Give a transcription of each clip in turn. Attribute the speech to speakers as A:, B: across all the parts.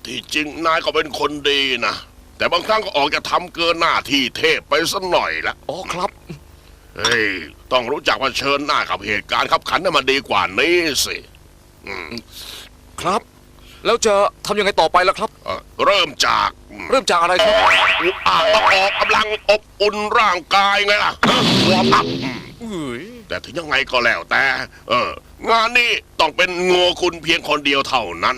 A: ที่จริงนายก็เป็นคนดีนะแต่บางครั้งก็ออกจะทำเกินหน้าที่เทพไปสักหน่อยละ
B: อ๋อครับ
A: เฮ้ยต้องรู้จักเผชิญหน้ากับเหตุการณ์ขับขันให้มันดีกว่านี้สิ
B: ครับแล้วจะทำยังไงต่อไปล่ะครับ
A: เริ่มจาก
B: อะไรครับ
A: ต้องออกกำลังอบอุ่นร่างกายไงล่ะวอร์มอัพแต่ถึงยังไงก็แล้วแต่งานนี้ต้องเป็นโง่คุณเพียงคนเดียวเท่านั้น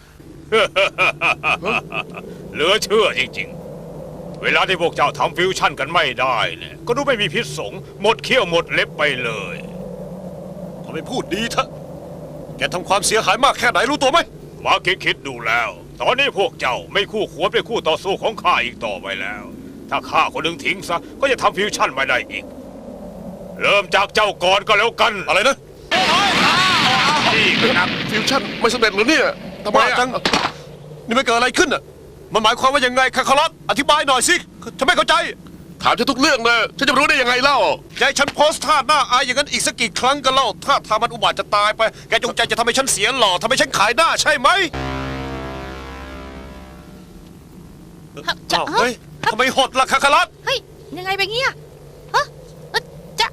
C: เหลือเชื่อจริงๆเวลาที่พวกเจ้าทำฟิวชั่นกันไม่ได้เนี่ยก็ดูไม่มีพิษสงหมดเขี้ยวหมดเล็บไปเลย
D: ทำไมพูดดีเถอะแกทำความเสียหายมากแค่ไหนรู้ตัวไหม
C: มาคิดดูแล้วตอนนี้พวกเจ้าไม่คู่ควรเป็นคู่ต่อสู้ของข้าอีกต่อไปแล้วถ้าข้าคนหนึ่งทิ้งซะก็จะทำฟิวชั่นไม่ได้อีกเริ่มจากเจ้าก่อนก็แล้วกัน
D: อะไรนะ
C: นี่ครับ
A: ฟิวชั่นไม่สำเร็จหรือเนี่ยทำไม
D: จังนี่มันเกิดอะไรขึ้นอ่ะมันหมายความว่ายังไงคาคารัสอธิบายหน่อยสิฉันไม่เข้าใจ
A: ถามฉันทุกเรื่องเลยฉันจะรู้ได้ยังไงเล่า
D: ใจฉันโพสท่าหน้าอายอย่างนั้นอีกสักกี่ครั้งกันเล่าถ้าทำมันอุบาทจะตายไปแกจงใจจะทำให้ฉันเสียหล่อทำให้ฉันขายหน้าใช่ไหมเฮ้ยทำไมหดล่ะคาคารัส
E: เฮ้ยยังไงไปเงี้ยฮะจะ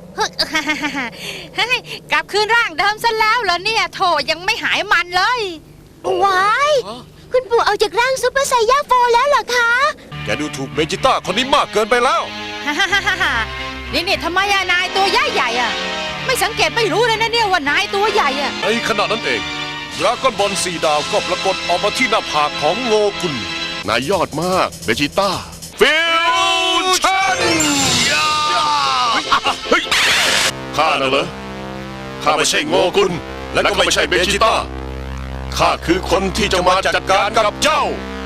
E: กลับคืนร่างเดิมซะแล้วเหรอเนี่ยโถยังไม่หายมันเลย
F: ว้ายคุณปู่เอาจากร่างซุปเปอร์ไซย่าโฟแล้วเหรอคะ
D: แกดูถูกเบจิต้าคนนี้มากเกินไปแล้ว
E: นี่ทำไมนายตัวใหญ่อะไม่สังเกตไม่รู้เลยนะเนี่ยว่านายตัวใหญ่อะ
D: ในขณะนั้นเองดราก้อนบอล4 ดาวก็ปรากฏออกมาที่หน้าผากของโงกุล
A: นายยอดมากเบจิต้าฟิวชั่นเฮ้ยข้าน่ะเหรอข้าไม่ใช่โงกุลและก็ไม่ใช่เบจิต้าข้าคือคนที่จะมาจัดการกับเจ้า